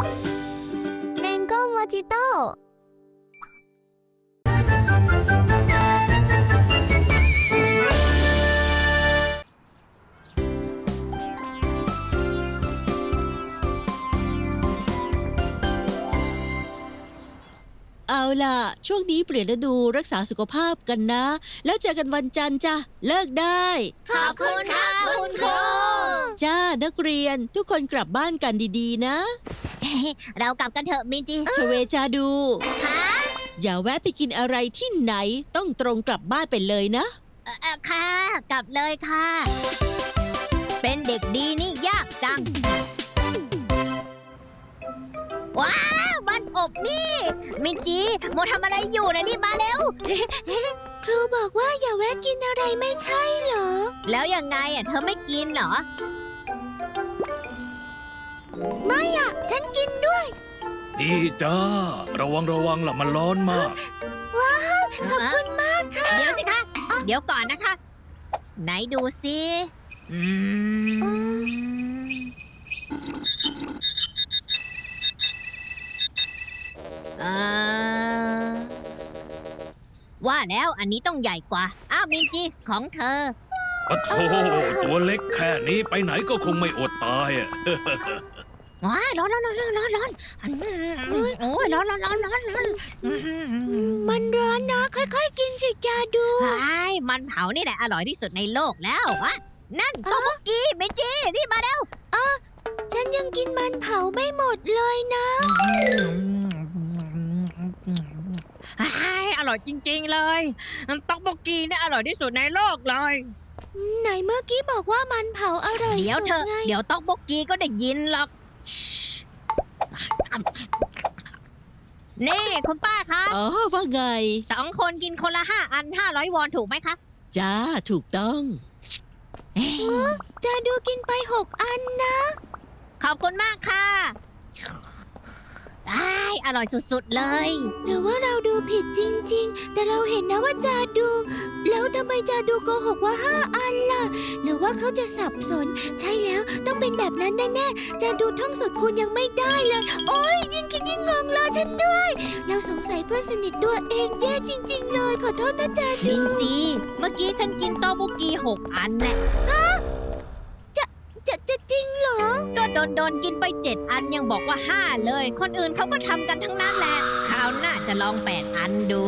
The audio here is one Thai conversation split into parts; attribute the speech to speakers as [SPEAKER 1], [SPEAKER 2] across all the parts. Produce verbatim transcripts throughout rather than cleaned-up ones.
[SPEAKER 1] แมงโก้โมจิโต้
[SPEAKER 2] เอาล่ะช่วงนี้เปลี่ยนฤดูรักษาสุขภาพกันนะแล้วเจอกันวันจันทร์จ้ะเลิกได้
[SPEAKER 1] ขอบคุณค่ะคุณครู
[SPEAKER 2] จ้านักเรียนทุกคนกลับบ้านกันดีๆนะ
[SPEAKER 1] เรากลับกันเถอะมินจิ
[SPEAKER 2] ชเวจาดู
[SPEAKER 1] ค่ะ
[SPEAKER 2] อย่าแวะไปกินอะไรที่ไหนต้องตรงกลับบ้านไปเลยนะ
[SPEAKER 1] เอ่อค่ะกลับเลยค่ะเป็นเด็กดีนี่ยากจังว้าวบ้านอบนี่มินจิโมทำอะไรอยู่นะรีบมาเร็วครูบอกว่าอย่าแวะกินอะไรไม่ใช่เหรอแล้วยังไงอ่ะเธอไม่กินเหรอไม่อ่ะฉันกินด้วย
[SPEAKER 3] ดีจ้าระวังระวังล่ะมันร้อนมาก
[SPEAKER 1] ว้าวขอบคุณมากค่ะเดี๋ยวสิคะเดี๋ยวก่อนนะคะไหนดูสิอืมเออว่าแล้วอันนี้ต้องใหญ่กว่าอ้าวมินจิของเธอ
[SPEAKER 3] โอ้โหตัวเล็กแค่นี้ไปไหนก็คงไม่อดตายอ่ะ
[SPEAKER 1] ว้ายร้อนร้อนร้อนร้อนร้อนโอ้ยร้อนร้อนร้อนร้อนร้อนมันร้อนนะค่อยๆกินสิจ้าดูใช่มันเผานี่แหละอร่อยที่สุดในโลกแล้ววะนั่นโตโมกิมินจินี่มาเร็วอ๋อฉันยังกินมันเผาไม่หมดเลยนะ
[SPEAKER 4] อร่อยจริงๆเลยต๊อกโบกีเนี่ยอร่อยที่สุดในโลกเลย
[SPEAKER 1] ไหนเมื่อกี้บอกว่ามันเผาอร่อย
[SPEAKER 4] เดี๋ยวเธอเดี๋ยวต๊อกโบกีก็ได้ยินหรอกนี่คุณป้าคะ
[SPEAKER 2] อ๋อว่าไง
[SPEAKER 4] สองคนกินคนละห้าอันห้าร้อยวอนถูกไหมคะ
[SPEAKER 2] จ้าถูกต้อง
[SPEAKER 1] จะดูกินไปหกอันนะ
[SPEAKER 4] ขอบคุณมากค่ะได้อร่อยสุดๆเลย
[SPEAKER 1] หรือว่าเราดูผิดจริงๆแต่เราเห็นนะว่าจาดูแล้วทำไมจาดูโกหกว่าห้าอันล่ะหรือว่าเขาจะสับสนใช่แล้วต้องเป็นแบบนั้นแน่ๆจาดูท่องสูตรคูณยังไม่ได้เลยโอ๊ยยิ่งคิดยิ่งงงรอฉันด้วยเราสงสัยเพื่อนสนิทตัวเองแย่จริงๆเลยขอโทษนะจาดู
[SPEAKER 4] มินจีเมื่อกี้ฉันกินต๊อกโบกีหกอันแหละ
[SPEAKER 1] จะจะจริงเหรอ
[SPEAKER 4] ก็โดนโดนกินไปเจ็ดอันยังบอกว่าห้าเลยคนอื่นเขาก็ทำกันทั้งนั้นแหละคราวหน้าจะลองแปดอันดู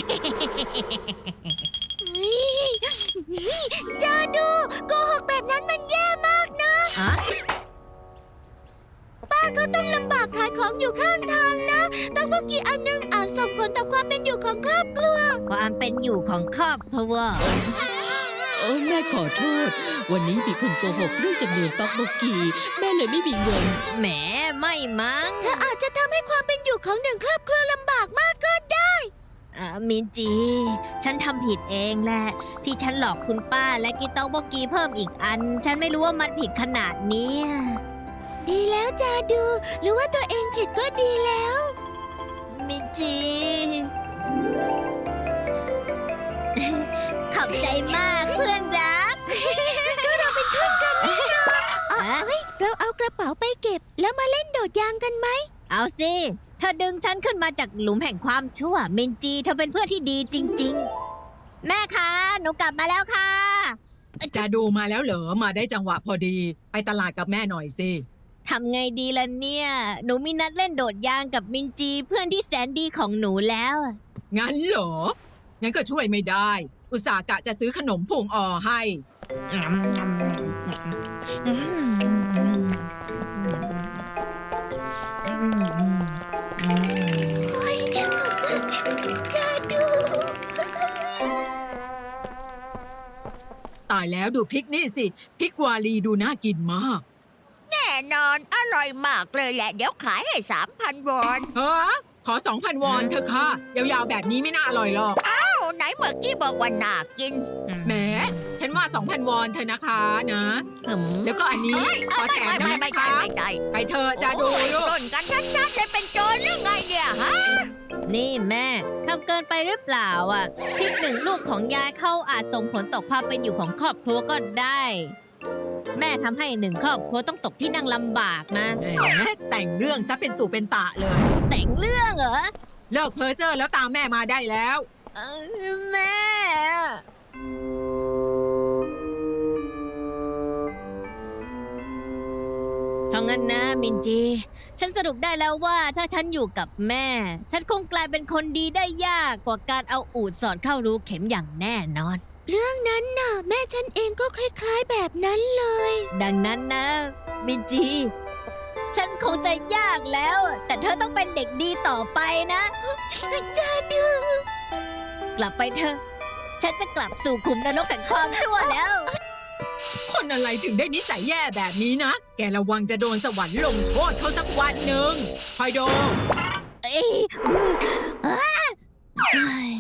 [SPEAKER 1] จะดูโกหกแบบนั้นมันแย่มากนะป้าก็ต้องลำบากขายของอยู่ข้างทางนะต้องพวกกี่อันนึงอาจส่งผลต่อความเป็นอยู่ของครอบครัว
[SPEAKER 4] ความเป็นอยู่ของครอบครัว
[SPEAKER 2] โอ้แม่ขอโทษวันนี้มีคนโกหกเรื่องจำนวนต๊อกโบกีแม่เลยไม่มีเงิน
[SPEAKER 4] แหมไม่มั้ง
[SPEAKER 1] เธออาจจะทำให้ความเป็นอยู่ของหนึ่งครอบครัวลำบากมากก็ได้
[SPEAKER 4] อ่ามินจีฉันทำผิดเองแหละที่ฉันหลอกคุณป้าและกินต๊อกโบกีเพิ่มอีกอันฉันไม่รู้ว่ามันผิดขนาดนี้
[SPEAKER 1] ดีแล้วจาดูหรือว่าตัวเองผิดก็ดีแล้ว
[SPEAKER 4] มินจีขอบใจมากเพื่อนรัก
[SPEAKER 1] ก็เราเป็นเพื่อนกันนี่นะเอ้ยเราเอากระเป๋าไปเก็บแล้วมาเล่นโดดยางกันไหม
[SPEAKER 4] เอาสิเธอดึงฉันขึ้นมาจากหลุมแห่งความชั่วมินจีเธอเป็นเพื่อนที่ดีจริงๆแม่คะหนูกลับมาแล้วค่ะ
[SPEAKER 5] จะดูมาแล้วเหรอมาได้จังหวะพอดีไปตลาดกับแม่หน่อยสิ
[SPEAKER 4] ทำไงดีล่ะเนี่ยหนูมีนัดเล่นโดดยางกับมินจีเพื่อนที่แสนดีของหนูแล้ว
[SPEAKER 5] งั้นเหรองั้นก็ช่วยไม่ได้อุตส่าห์กะจะซื้อขนมพุงอ่อให้
[SPEAKER 1] จะดู
[SPEAKER 5] ตายแล้วดูพริกนี่สิพริกวาลีดูน่ากินมาก
[SPEAKER 1] แน่นอนอร่อยมากเลยแหละเดี๋ยวขายให้สามพันวอน
[SPEAKER 5] ฮะขอสองพันวอนเถอะค่ะยาวๆแบบนี้ไม่น่าอร่อยหรอก
[SPEAKER 1] อ้าวไหนเมื่อกี้บอกว่าน่ากิน
[SPEAKER 5] แหมฉันว่าสองพันวอนเธอนะคะนะแล้วก็อันนี้ขอแถมได้ไหมคะไปเธอจะดู
[SPEAKER 1] ลูกต้นกันชัดๆจะเป็นโจรหรือไงเนี่ยฮะ
[SPEAKER 4] นี่แม่ทำเกินไปหรือเปล่าอ่ะพริกหนึ่งลูกของยายเข้าอาจส่งผลต่อความเป็นอยู่ของครอบครัวก็ได้แม่ทำให้หนึ่งครอบครัวต้องตกที่นั่งลำบากนะ
[SPEAKER 5] แหมแต่งเรื่องซะเป็นตุเป็นตะเลย
[SPEAKER 4] แต่งเรื่องเหรอ
[SPEAKER 5] เลิกเพ้อเจ้อแล้วตามแม่มาได้แล้ว
[SPEAKER 4] เออแม่ เพราะงั้นนะมินจี ฉันสรุปได้แล้วว่าถ้าฉันอยู่กับแม่ ฉันคงกลายเป็นคนดีได้ยากกว่าการเอาอูดสอดเข้ารูเข็มอย่างแน่นอน
[SPEAKER 1] เรื่องนั้นน่ะ แม่ฉันเองก็คล้ายๆแบบนั้นเลย
[SPEAKER 4] ดังนั้นนะ มินจี ฉันคงจะยากแล้ว แต่เธอต้องเป็นเด็กดีต่อไปนะ
[SPEAKER 1] จาดู
[SPEAKER 4] กลับไปเถอะ ฉันจะกลับสู่ขุมนรกแห่งความชั่วแล้ว
[SPEAKER 5] คนอะไรถึงได้นิสัยแย่แบบนี้นะ แกระวังจะโดนสวรรค์ลงโทษเขาสักวันหนึ่งคอยดู
[SPEAKER 4] เอ้ยอ้าเฮ้ย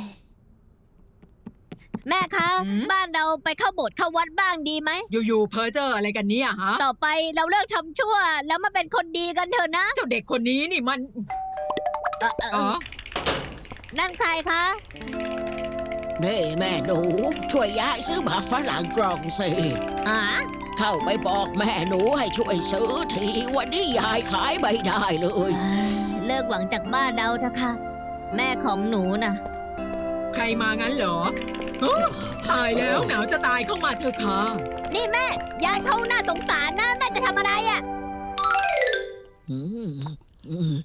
[SPEAKER 4] แม่คะ บ้านเราไปเข้าโบสถ์เข้าวัดบ้างดีไหม
[SPEAKER 5] อยู่ๆเพ้อเจ้ออะไรกันเนี่ยฮะ
[SPEAKER 4] ต่อไปเราเลิกทำชั่ว แล้วมาเป็นคนดีกันเถอะนะ
[SPEAKER 5] เจ้าเด็กคนนี้นี่มัน
[SPEAKER 4] เออเออ
[SPEAKER 5] อ๋
[SPEAKER 4] เอ
[SPEAKER 5] อ
[SPEAKER 4] อนั่นใครคะ
[SPEAKER 6] นี่แม่หนูช่วยยายซื้อหมากฝรั่งกล่องสิ
[SPEAKER 4] อ๋อ
[SPEAKER 6] เข้าไปบอกแม่หนูให้ช่วยซื้อทีวันนี้ยายขายไม่ได้เลย
[SPEAKER 4] เลิกหวังจากบ้านเราเถอะค่ะ แม่ของหนูน่ะ
[SPEAKER 5] ใครมางั้นเหรอฮะตายแล้วหนาวจะตายเข้ามาเถอะค่ะ
[SPEAKER 4] นี่แม่ ยายเขาน่าสงสารนะ แม่จะทำอะไรอ่ะ
[SPEAKER 6] อืมอืม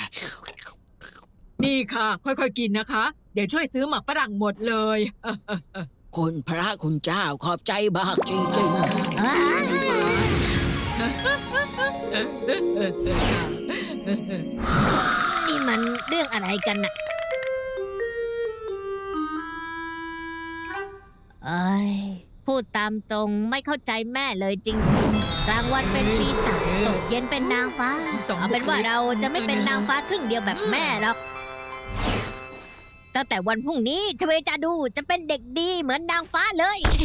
[SPEAKER 5] นี่ค่ะ ค่อยๆกินนะคะ เดี๋ยวช่วยซื้อหมักฝรั่งหมดเลยเออเออเออ
[SPEAKER 6] คุณพระคุณเจ้าขอบใจมากจริง
[SPEAKER 4] นี่มันเรื่องอะไรกันน่ะเอ้ย พูดตามตรงไม่เข้าใจแม่เลยจริงๆ กลางวันเป็นปีศาจตกเย็นเป็นนางฟ้า เอาเป็นว่าเราจะไม่เป็นนางฟ้าครึ่งเดียวแบบแม่หรอก ตั้งแต่วันพรุ่งนี้ชเวจาดูจะเป็นเด็กดีเหมือนนางฟ้าเลย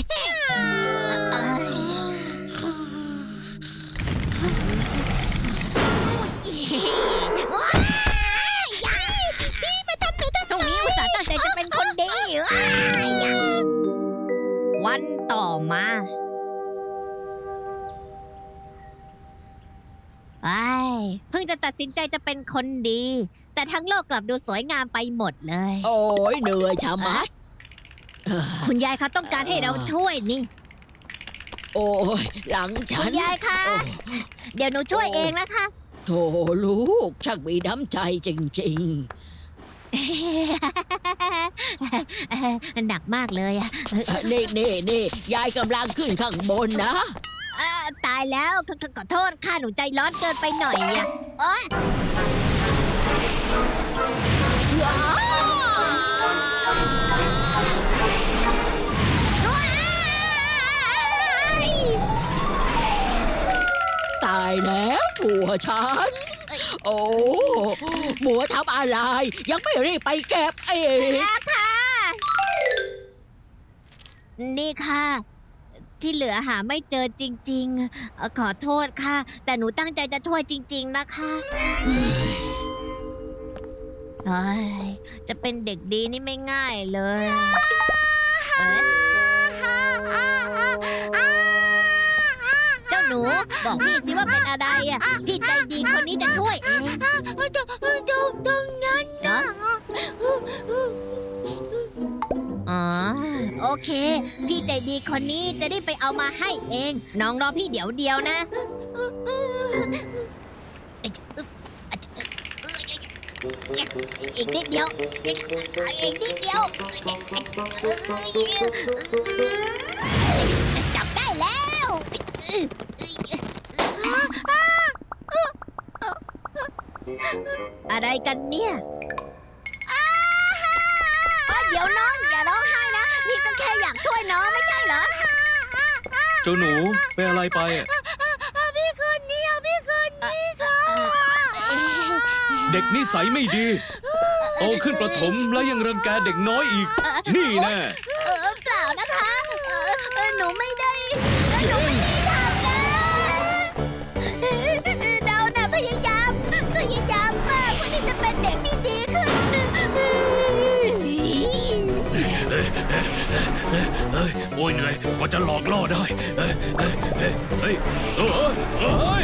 [SPEAKER 4] พรุ่งนี้อุตส่าห์ตั้งใจจะเป็นคนดี วันต่อมาไอ้เพิ่งจะตัดสินใจจะเป็นคนดี แต่ทั้งโลกกลับดูสวยงามไปหมดเลย
[SPEAKER 6] ๆ โอ้ยเหนื่อยชะมัดเออ
[SPEAKER 4] คุณยายคะต้องการให้เราช่วยนี่
[SPEAKER 6] โอ้ยหลังฉั
[SPEAKER 4] คุ
[SPEAKER 6] น
[SPEAKER 4] ณยายคะ เดี๋ยวหนูช่วยเองนะคะ
[SPEAKER 6] โถลูกช่างมีน้ำใจจริง
[SPEAKER 4] หนักมากเลยอะ
[SPEAKER 6] ๆ นี่นี่นี่ยายกำลังขึ้นข้างบนนะ
[SPEAKER 4] เอ่อตายแล้วขอขอขอโทษค่ะหนูใจร้อนเกินไปหน่อยอะโอ๊ยว้าย
[SPEAKER 6] ตายแล้วถั่วฉัน โอ้หมัวทำอะไร ยังไม่รีบไปเก็บเอง
[SPEAKER 4] แล้วค่ะ นี่ค่ะ ที่เหลือหาไม่เจอจริงๆเอ่อขอโทษค่ะ แต่หนูตั้งใจจะช่วยจริง ๆ นะคะเฮ้ยจะเป็นเด็กดีนี่ไม่ง่ายเลยเอ๊ะเจ้าหนูบอกพี่สิว่าเป็นอะไรอ่ะ พี่ใจดีคนนี้จะช่วยเอง
[SPEAKER 1] ตรงตรงตรงนั้น
[SPEAKER 4] เนาะอ๋อโอเค พี่ใจดีคนนี้จะได้ไปเอามาให้เอง น้องรอพี่เดี๋ยวเดียวนะ อีกนิดเดียว อีกนิดเดียว จับได้แล้ว อะไรกันเนี่ยเอ้ยเดี๋ยวน้องอย่าร้องไห้นะ พี่ก็แค่อยากช่วยน้องไม่ใช่เหรอ
[SPEAKER 3] เจ้าหนูเป็นอะไรไปอะ
[SPEAKER 1] พี่คนนี้พี่คนนี้เขา
[SPEAKER 3] เด็กนิสัยไม่ดี โตขึ้นประถมแล้วยังรังแกเด็กน้อยอีก นี่แน่
[SPEAKER 4] เออเปล่านะคะเออเออหนูไม่ได้หนูไม่ได้ทำนะเราน่ะพยายามพยายามมากเพื่อที่จะเป็นเด็กที่ดีขึ้น
[SPEAKER 3] เอ๊ะเอ๊ะเฮ้ยโอ้ยเหนื่อยกว่าจะหลอกล่อได้เฮ้ยเฮ้ยเฮ้ยเฮ้ยเฮ้ยเฮ้ย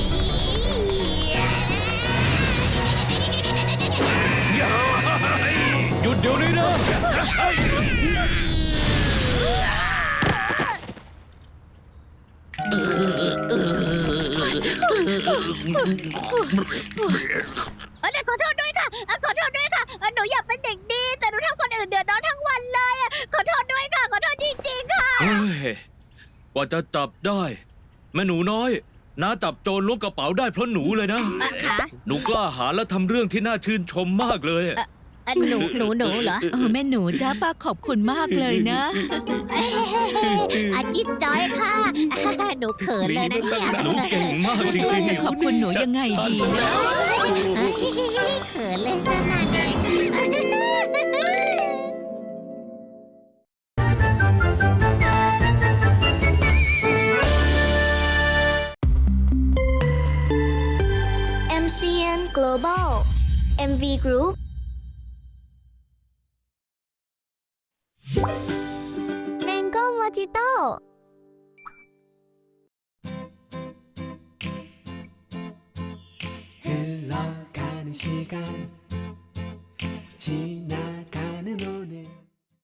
[SPEAKER 3] หยุดเดี๋ยวนี้นะ
[SPEAKER 4] เออขอโทษด้วยค่ะเออขอโทษด้วยค่ะเออหนูอยากเป็นเด็กดีแต่หนูทำคนอื่นเดือดร้อนทั้งวันเลยอะขอโทษด้วยค่ะขอโทษจริงๆค่ะ
[SPEAKER 3] เฮ้ยกว่าจะจับได้ แม่หนูน้อยน้าจับโจรล้วงกระเป๋าได้เพราะหนูเลยนะ
[SPEAKER 4] อ่ะค่ะ
[SPEAKER 3] หนูกล้าหาญและทำเรื่องที่น่าชื่นชมมากเลย
[SPEAKER 4] อ่ะหนูหนูหนูเหรอ
[SPEAKER 7] เออแม่หนูจ้าป้าขอบคุณมากเลยนะ
[SPEAKER 4] อาจิตจอยค่ะ หนูเขินเลยนะเนี่ย
[SPEAKER 3] หนูเก่งมากจริ
[SPEAKER 7] ว่าง จะ
[SPEAKER 3] ๆ
[SPEAKER 7] ขอบคุณหนูยังไงดีนะ
[SPEAKER 4] เขินเลยขนาดนี้
[SPEAKER 8] เอ็ม ซี เอ็น Global เอ็ม วี Group Mango Mojito
[SPEAKER 9] 흘러가는 시간 지나